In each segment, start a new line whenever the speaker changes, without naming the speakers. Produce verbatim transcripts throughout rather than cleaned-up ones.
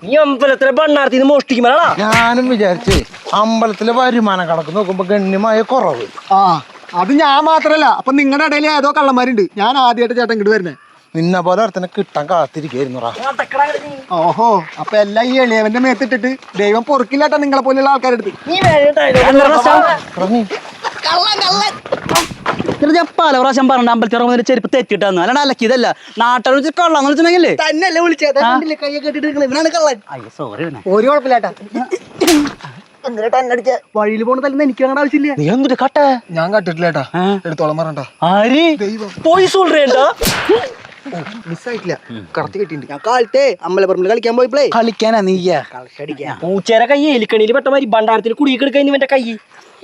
ഈ അമ്പലത്തിലെ ഭണ്ണാരത്തിന്ന് മോഷ്ടിക്കുമ്പോഴാ
ഞാനും വിചാരിച്ചേ അമ്പലത്തിലെ വരുമാനം കണക്ക് നോക്കുമ്പോ ഗണ്യമായ കുറവ്.
ആ അത് ഞാൻ മാത്രല്ല, അപ്പൊ നിങ്ങളുടെ ഇടയിൽ ഏതോ കള്ളന്മാരുണ്ട്. ഞാൻ ആദ്യമായിട്ട് ചേട്ടൻ ഇങ്ങോട്ട് വരുന്നേ.
നിന്നെ പോലെ ഒരുത്തനെ കിട്ടാൻ കാത്തിരിക്കുന്നു.
ഓഹോ, അപ്പൊ എല്ലാം ഈ എളിയവന്റെ മേത്തിട്ടിട്ട് ദൈവം പൊറുക്കില്ലാട്ടാ നിങ്ങളെ പോലെയുള്ള ആൾക്കാരെടുത്ത്.
പല പ്രാവശ്യം പറഞ്ഞ അമ്പലത്തിൽ ചെരുപ്പ് തെറ്റിട്ടാന്ന് അല്ലാണ്ട് അലക്കിയതല്ല. നാട്ടുകാർ വെച്ച് കള്ളാന്ന് വെച്ചിട്ടുണ്ടെങ്കിലേ
തന്നെയല്ലേ വിളിച്ചത്, കയ്യെ കെട്ടിട്ട് ഇവനാണ് കള്ളൻ.
സോറി
ഒരു കുഴപ്പമില്ലാട്ടാ. വഴിയിൽ പോണ തല്ലുന്ന എനിക്ക് അങ്ങനെ ആവശ്യമില്ല.
നീ എന്തിട്ട് കട്ട
ഞാൻ കട്ടിട്ടില്ലേട്ടാ, എടുത്തോളം പറഞ്ഞ
ആര്
ദൈവം
പോയി സോൾറേണ്ടാ
മിസ്സായിട്ടില്ല, കറക്റ്റ് കിട്ടിയിട്ടുണ്ട്. ഞാൻ കാലത്തെ അമ്പലപ്പറമ്പിൽ കളിക്കാൻ പോയപ്പോഴേ
കളിക്കാനാ നീയാ
കളിച്ചടിക്കാ
പൂച്ചേരെ കൈ എലിക്കണിയിൽ പെട്ട മാതിരി ഭണ്ഡാരത്തിൽ കുടിക്കെടുക്കാൻ ഇവന്റെ കൈ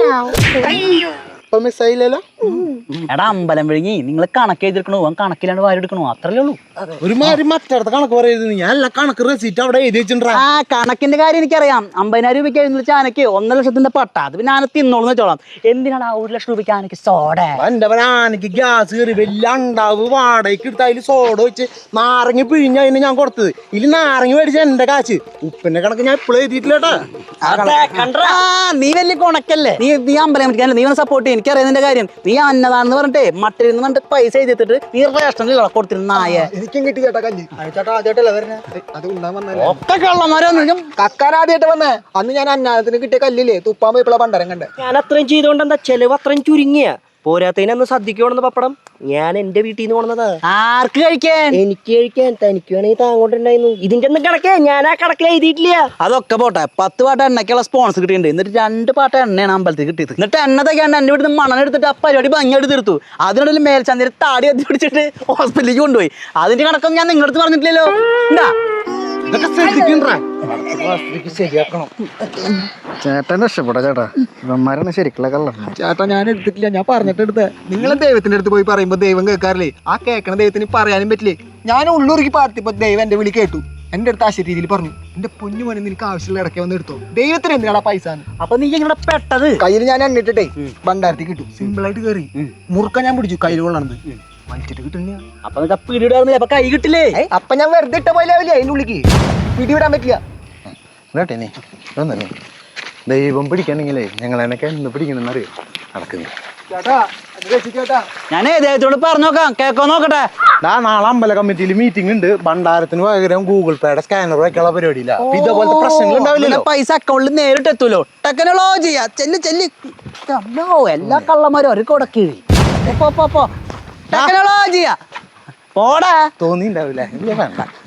ഇപ്പൊ മിസ്സായില്ലല്ലോ.
എടാ അമ്പലം വിഴുങ്ങി നിങ്ങൾ കണക്ക് എഴുതിയെടുക്കണോ അവൻ കണക്കിലാണ്ട് വാരി എടുക്കണോ അത്രല്ലേ ഉള്ളൂ.
ഒരുമാതിരി മറ്റടുത്ത കണക്ക് പറയുന്നത് ഞാൻ എല്ലാ കണക്ക് റെസീറ്റ് അവിടെ എഴുതി വെച്ചിട്ടുണ്ടാ.
ആ കണക്കിന്റെ കാര്യം എനിക്കറിയാം. അമ്പതിനായിരം രൂപയ്ക്ക് എഴുതി വെച്ചാൽ ആനക്ക് ഒന്നര ലക്ഷത്തിന്റെ പട്ട അത് പിന്നെ ആന തിന്നോളൂ വെച്ചോളാം. എന്തിനാണ് ആ ഒരു ലക്ഷം രൂപയ്ക്ക് ആനക്ക് സോഡ?
എന്റെ ആനക്ക് ഗ്യാസ് കയറി വലിയ ഉണ്ടാവ് വാടകയ്ക്ക് എടുത്ത് അതിൽ സോഡ വെച്ച് നാരങ്ങ പിഴിഞ്ഞ അതിന് ഞാൻ കൊടുത്തത്. ഇതിൽ നാരങ്ങ മേടിച്ച എന്റെ കാശ്. ഉപ്പിന്റെ കണക്ക് ഞാൻ ഇപ്പോഴും എഴുതിയിട്ടില്ലേട്ടാ.
നീ വലിയ കൊണക്കല്ലേ. നീ നീ അമ്പലം നീ സപ്പോർട്ട് ചെയ്യും. എനിക്കറിയാം കാര്യം. നീ അന്നതാണെന്ന് പറഞ്ഞിട്ടേ മട്ടിൽ നിന്ന് പറഞ്ഞിട്ട് പൈസ എഴുതിട്ട് നീ റേഷനിൽ കൊടുത്തിരുന്ന നായ.
എനിക്കും കിട്ടി ചേട്ടാ കല്ല്. ചേട്ടാ ആദ്യമായിട്ടല്ല വരണേ, അത് ഉണ്ടാൻ വന്നേ.
ഒക്കെ കള്ളന്മാരൊന്നും
കക്കാരാദ്യമായിട്ട് വന്നേ. അന്ന് ഞാൻ അന്നാദത്തിന് കിട്ടിയ കല്ലില്ലേ തുപ്പാൻ പോയപ്പോഴാ പണ്ടരം കണ്ടേ.
ഞാൻ അത്രയും ചെയ്തോണ്ട് എന്താ ചെലവ് അത്രയും ചുരുങ്ങിയ പോരാത്തതിന് അന്ന് സദ്യക്ക് കൊണ്ടുവന്ന പപ്പടം ഞാൻ എന്റെ വീട്ടിൽ നിന്ന് കൊണ്ടതാ.
ആർക്ക് കഴിക്കാൻ?
എനിക്ക് കഴിക്കാൻ. തനിക്ക് വേണമെങ്കിൽ താങ്ങോട്ടുണ്ടായിരുന്നു. ഇതിന്റെ ഒന്നും കണക്കേ ഞാൻ ആ കണക്കിൽ എഴുതിയിട്ടില്ല.
അതൊക്കെ പോട്ടെ, പത്ത് പാട്ട എണ്ണയ്ക്കുള്ള സ്പോൺസർ കിട്ടിയിട്ടുണ്ട്. എന്നിട്ട് രണ്ട് പാട്ട എണ്ണയാണ് അമ്പലത്തിൽ കിട്ടിയത്. എന്നിട്ട് എണ്ണതൊക്കെ എണ്ണ എന്റെ വീട്ടിൽ നിന്ന് മണ്ണെണ്ണ എടുത്തിട്ട് ആ പരിപാടി ഭംഗിയായിട്ട് തീർത്തു. അതിനിടയിൽ മേൽച്ചന്തയിൽ താടി എത്തി പിടിച്ചിട്ട് ഹോസ്പിറ്റലിലേക്ക് കൊണ്ടുപോയി. അതിന്റെ കണക്കൊന്നും ഞാൻ നിങ്ങളുടെ അടുത്ത് പറഞ്ഞിട്ടില്ലല്ലോ. എന്താ
ഇതൊക്കെ ശ്രദ്ധിക്കണ്ടാ, ശരിയാക്കണം.
ചേട്ടൻ രക്ഷപ്പെടാ ചേട്ടാ, ഇവന്മാരാണ് ശരിക്കുള്ള കള്ളം. ചേട്ടാ ഞാൻ എടുത്തിട്ടില്ല, ഞാൻ പറഞ്ഞിട്ട് എടുത്തേ. നിങ്ങൾ ദൈവത്തിന്റെ അടുത്ത് പോയി പറയുമ്പോ ദൈവം കേൾക്കാറില്ലേ? ആ കേൾക്കണ ദൈവത്തിന് പറയാനും പറ്റില്ലേ? ഞാൻ ഉള്ളൂർക്ക് പാർത്തിപ്പോ ദൈവം എന്റെ വിളി കേട്ടു. എന്റെ അടുത്ത് ആ രീതിയിൽ പറഞ്ഞു, എന്റെ പൊന്നു മോനെ നിനക്ക് ആവശ്യമുള്ള ഇടയ്ക്ക് വന്ന് എടുത്തോ. ദൈവത്തിന് എന്തിനാണ് പൈസ?
അപ്പൊ നീ ഇങ്ങനെ പെട്ടത്
കയ്യിൽ ഞാൻ എണ്ണിട്ടേ ഭണ്ഡാരത്തിൽ കിട്ടും. സിമ്പിൾ ആയിട്ട് കയറി മുറുക്ക ഞാൻ പിടിച്ചു കയ്യിൽ കൊള്ളണത് വലിച്ചിട്ട് കിട്ടുന്ന.
അപ്പൊ നിനക്ക് പിടിയിടാറുന്നില്ല, അപ്പൊ കൈ കിട്ടില്ലേ?
അപ്പൊ ഞാൻ വെറുതെ ഇട്ട പോലെ ആവില്ലേ അതിന്റെ ഉള്ളിക്ക് പിടിവിടാൻ പറ്റില്ല.
കേട്ടേ നീ ഒന്നേ ദൈവം പിടിക്കണമെങ്കിലേ ഞങ്ങൾ എനക്ക് എന്ന് പിടിക്കണമെന്ന് അറിയോ നടക്കുന്നത്.
ഞാനേ ദൈവത്തോട് പറഞ്ഞു നോക്കാം, കേക്കോ നോക്കട്ടെ.
ആ നാളെ അമ്പല കമ്മിറ്റിയിൽ മീറ്റിംഗ് ഉണ്ട്. ഭണ്ഡാരത്തിന് പകരം ഗൂഗിൾ പേയുടെ സ്കാനർ വയ്ക്കാനുള്ള പരിപാടിയില്ല. ഇതേപോലത്തെ പ്രശ്നങ്ങൾ ഉണ്ടാവില്ലല്ലോ.
പൈസ അക്കൗണ്ടിൽ നേരിട്ട് എത്തൂലോ. ടെക്നോളജി ചെല്ലി ചെല്ലി എല്ലാ കള്ളന്മാരും ഒരു കൊടക്കീഴി ടെക്നോളജിയാ പോടാ
തോന്നിണ്ടാവില്ല. വേണ്ട.